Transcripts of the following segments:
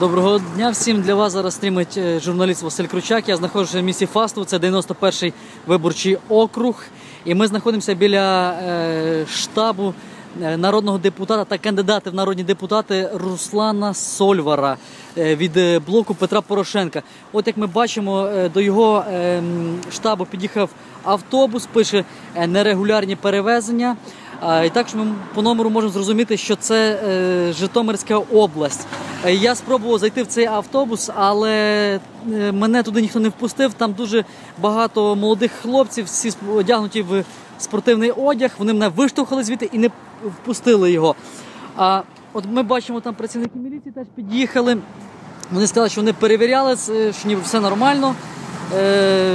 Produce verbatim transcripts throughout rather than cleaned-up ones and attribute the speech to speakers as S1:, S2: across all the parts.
S1: Доброго дня всім. Для вас зараз стрімить журналіст Василь Кручак. Я знаходжуся в місті Фастов, це дев'яносто перший виборчий округ. І ми знаходимося біля е, штабу народного депутата та кандидата в народні депутати Руслана Сольвара е, від блоку Петра Порошенка. От як ми бачимо, е, до його е, штабу під'їхав автобус, пише е, нерегулярні перевезення. І також ми по номеру можемо зрозуміти, що це е, Житомирська область. Е, я спробував зайти в цей автобус, але е, мене туди ніхто не впустив. Там дуже багато молодих хлопців, всі одягнуті в спортивний одяг. Вони мене виштовхали звідти і не впустили його. А от ми бачимо, там працівники міліції теж під'їхали. Вони сказали, що вони перевіряли, що ніби все нормально. Е,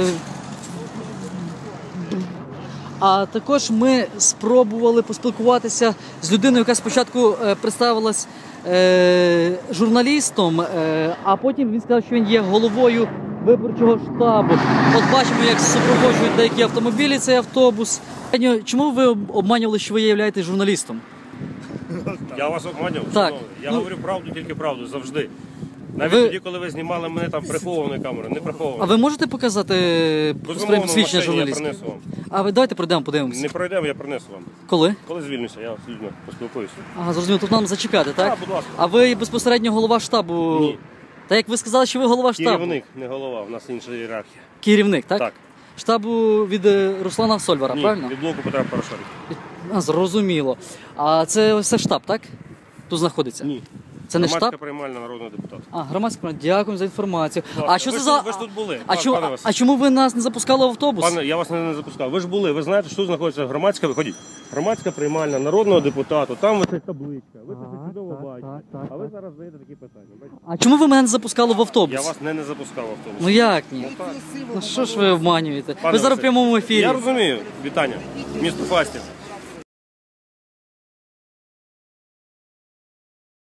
S1: А також ми спробували поспілкуватися з людиною, яка спочатку е, представилась е, журналістом, е, а потім він сказав, що він є головою виборчого штабу. От бачимо, як супроводжують деякі автомобілі цей автобус. Чому ви обманювали, що ви являєтесь журналістом?
S2: Я вас обманював?
S1: Так.
S2: Я ну... говорю правду, тільки правду, завжди. Навіть
S1: ви...
S2: тоді, коли ви знімали мене там прихованою камерою, не прихованою.
S1: А ви можете показати посвідчення журналіста?
S2: Я принесу вам.
S1: А ви давайте пройдемо, подивимося.
S2: Не пройдемо, я принесу вам.
S1: Коли?
S2: Коли звільнюся, я з людьми поспілкуюся.
S1: Ага, зрозуміло, тут нам зачекати, так?
S2: Так, будь ласка.
S1: А ви безпосередньо голова штабу?
S2: Ні.
S1: Та як ви сказали, що ви голова штабу?
S2: Керівник, не голова, у нас інша ієрархія.
S1: Керівник, так?
S2: Так.
S1: Штабу від Руслана Сольвара,
S2: Ні,
S1: правильно?
S2: від блоку Петра Порошенка.
S1: А, зрозуміло. А це все штаб, так? Тут знаходиться?
S2: Ні.
S1: Це не
S2: Громадська
S1: штаб?
S2: приймальна народного депутата.
S1: А, громадська приймальна. Дякую за інформацію.
S2: Ласка,
S1: А що
S2: ви
S1: це
S2: ж,
S1: за...
S2: Ви ж тут були,
S1: А, чому,
S2: пане
S1: а чому ви нас не запускали в автобус?
S2: Пане, я вас не, не запускав. Ви ж були, ви знаєте, що тут знаходиться громадська, виходіть. Громадська приймальна народного депутата, там ось табличка. Ви це чудово
S1: так,
S2: бачите.
S1: так, так,
S2: а ви
S1: так.
S2: зараз задаєте такі питання. Бачите?
S1: А чому ви мене не запускали в автобус?
S2: Я вас не, не запускав в автобус.
S1: Ну як ні?
S2: Ну, так.
S1: Ну що ж ви обманюєте?
S2: Пане
S1: ви зараз в
S2: Василь,
S1: прямому ефірі.
S2: Я розумію. Вітання. Місто Фастів.